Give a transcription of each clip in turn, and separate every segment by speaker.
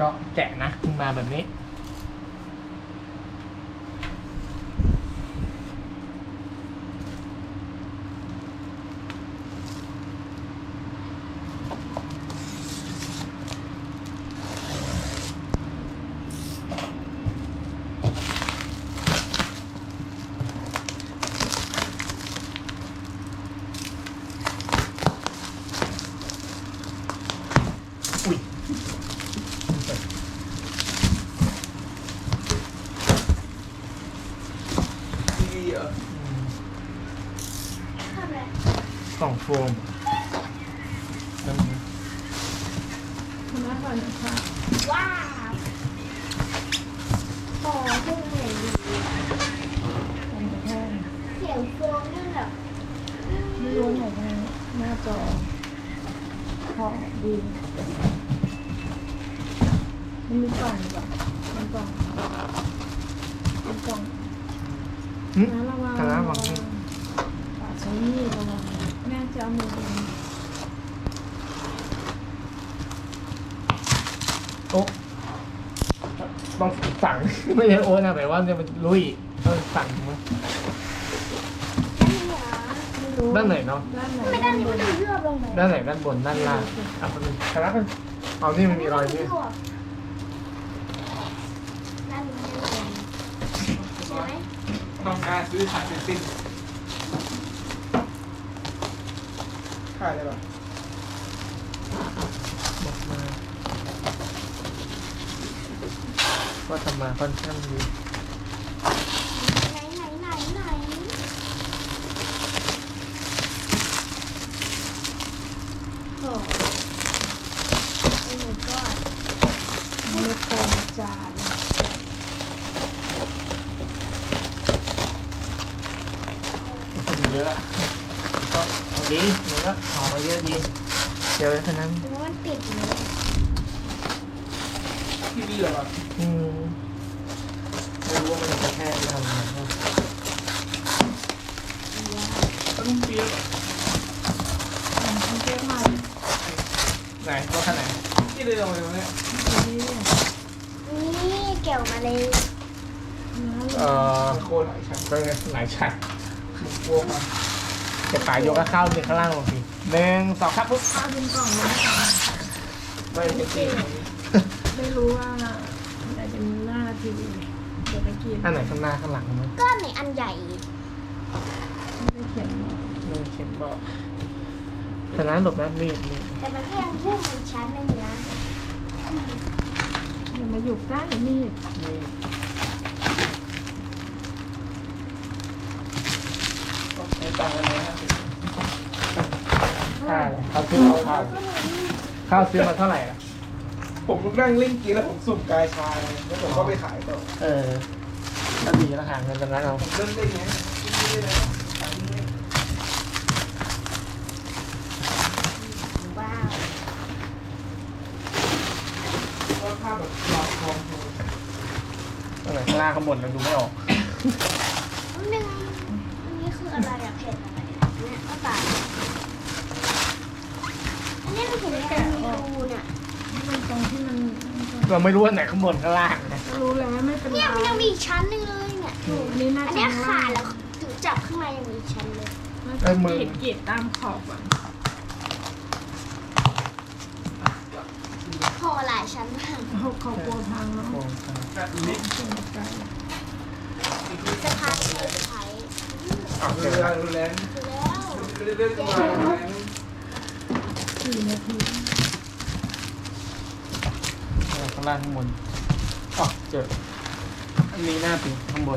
Speaker 1: ก็แกะนะมาแบบนี้อุ้ย
Speaker 2: ดีเหรอ
Speaker 3: ทำอะไร
Speaker 1: กล่องโฟมนั่นนะ
Speaker 4: คุณแม่ก่อนค่ะ
Speaker 3: ว้าวโอ้ขึ้นเหนื่อยดี
Speaker 4: เป็นแค่
Speaker 3: เสียงโฟมนั่นแบบ
Speaker 4: ไม่รู้ไหนกันหน้าจอพอดีมันมีกล่องดีกว่ามันกล่องเป็นกล่อง
Speaker 1: หึ
Speaker 4: นะระวัง
Speaker 1: คณะวังนี่
Speaker 4: ปาดใช้มีดระวังแม่จะเอามือเอง
Speaker 1: โอ๊ะต้องสั่ง ไม่ใช่โอ๊ตนะแต่ว่าจะเป็นลุยต้องสั่งมั้ง
Speaker 3: นั่นเหรอ
Speaker 4: ไม่รู้
Speaker 1: ด้านไหนเนาะ
Speaker 4: ด้านไหน
Speaker 3: ไม่ได้นี่มันเลือบลงไป
Speaker 1: ด้านไหนด้านบนด้านล่างเอาไปเลยคณะเป็นเอานี่มันมีรอยนี่
Speaker 3: ด้านนี้ไม่ได้ลงใช่ไหม
Speaker 2: ต้องการซื้อขายเป็นสิ้นขายได้ปะ
Speaker 1: บอกมาก็ทำมาค่อนข้างดี
Speaker 3: ไหน
Speaker 4: โอ้
Speaker 3: โอ้ my god
Speaker 4: ไม่ได้โกงจาน
Speaker 1: คนเยอะก็เอาดีมันก็ออกมาเยอะดีเดี๋ยวฉะนั้น
Speaker 3: แล้วมันติดอยู่เลย
Speaker 2: ที่ดีเหรอ
Speaker 1: ไม่รู้ว่ามันจะแค่ทำอะไรบ้าง
Speaker 2: ต้องเปียกเหรอ
Speaker 4: มันเจ๊ใหม่
Speaker 1: ไหนรถคันไหน
Speaker 2: ที่เลยเอาไปเนี่ย
Speaker 4: ดี
Speaker 3: นี่เกี่ยวมาเลย
Speaker 2: โคตรหลายชั้น
Speaker 1: ก็หลายชั้น
Speaker 2: กลัวมา
Speaker 1: จะป่ายกก็เข้าข้างล่างลงทีหนึ่งสองครับปุ๊บ
Speaker 4: เอาเป็นกล่องเลยนะคะ
Speaker 2: ไม่เป็นสิ้น
Speaker 4: ไม่รู้ว่าอะไรเป็นหน้าทีวีเดี๋ยวไปกิน
Speaker 1: อันไหนข้างหน้าข้างหลังมั้ย
Speaker 3: ก้อนไหนอันใหญ่
Speaker 4: ไม่ได้เขียนมา
Speaker 1: ไม่เขียนบอกฉะนั้นหลบนะมีด
Speaker 3: แต่มันก็ยังพุ่งเป็นชั้นหนึงนะ
Speaker 4: อย่ามาอยู่ใกล้มีด
Speaker 2: ต้องใช้ตังค์กันไหมครับ
Speaker 1: ค่าอะไรเขาซื้อมาข้าวซื้อมาเท่าไหร่ล่ะ
Speaker 2: ผมนั่งเล่นเกมแล้วผมสุ่มกายชายแล้วผมก็ไปขายต่อ
Speaker 1: ก็ดีแล้วหาเงินตรงนั้นเอา
Speaker 2: ผมเล่นได้ไงที่นี่เลยขายนี่
Speaker 3: ว้าว
Speaker 2: ก็ภาพแบบหลอกทอง
Speaker 1: ตรงไหนข้างล่างข้างบนเราดูไม่ออก
Speaker 3: อันนึงอันนี้คืออะไรอะเผ็ดอะไรอะเนี่ยก็ตายอันนี้มันเห็นแกมีรูเนี่ย
Speaker 4: มันตรงที่มัน
Speaker 1: เราไม่รู้ว่าไหนข้างบนข้างล่างนะ
Speaker 4: รู้แล้วไม่เป็นไร
Speaker 3: เนี่ยมันยังมีอีกชั้นหนึงเลยเนี่ย
Speaker 4: อันนี้น่า
Speaker 3: อัน
Speaker 4: จะ
Speaker 3: เนี้ยขาดแล้วถึงจับข้างในยังมีอีกชั้นเลย
Speaker 4: กรีดตามขอบอ่ะ
Speaker 3: พอหลายชั้นมาก
Speaker 4: ขอบกลัวพังเนาะ
Speaker 1: โอ้
Speaker 2: แบบนี้
Speaker 4: เป็นไกล
Speaker 3: สะพานใช้ใช้
Speaker 1: เอา
Speaker 2: เว
Speaker 1: เดี๋ยว
Speaker 2: ลา
Speaker 1: นะ
Speaker 2: รุนแรง
Speaker 3: คือแล้ว
Speaker 2: เรื่อยๆก็มารุนแรง
Speaker 4: 4 นาที
Speaker 1: ข้างล่างข้างบนอ๋อเจออันนี้หน้าปีข้างบน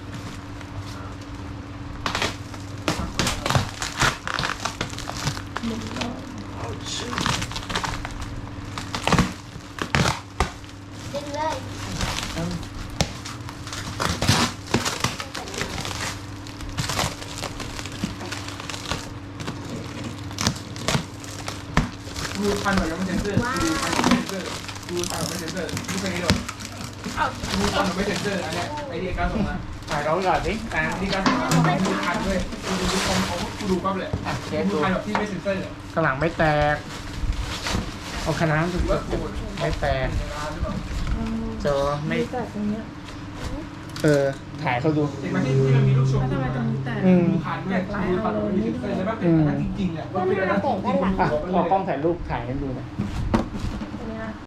Speaker 4: หนึ่งรอบ
Speaker 3: ดึงเลย
Speaker 2: ดูพันหน่อยยังไม่เซ็นเซอร์ดูพันไม่เซ็นเซอร์ดูพันไม่เซ็นเซอร์ดูเพลงนี้ด้วยดูพันไม่เซ็นเซอร์อันเนี้ยไอเดียการส่งมา
Speaker 1: ถ่ายเราก่อนสิ
Speaker 2: แต่ที่การส่งมาดูพันด้วยดูคอมเขาดูปั๊บเลย
Speaker 1: อ่ะเชฟ
Speaker 2: ดู
Speaker 1: ดู
Speaker 2: พันแบบที่ไม่เซ็นเซอร์
Speaker 1: ข้างหลังไม่แตกเอาคณะสุด
Speaker 2: ว่าโกรธ
Speaker 1: ไม่แฟร์จอไม่
Speaker 4: มีแต่ตรงเนี้ย
Speaker 1: ถ่ายเขาดู
Speaker 2: เห็นไหมที่มันมีลูกชม
Speaker 4: แล้วทำไมตรงนี้แตก
Speaker 2: ดูผ่านด้วยดูผ่านด้วยมีเซนเซอร์แล้วมันเป็นอันนั้นจริงๆอ่ะว่าเป็นอันนั้นจริงๆ
Speaker 1: เอากล้องถ่ายรูปถ่ายให้ดูหน่อย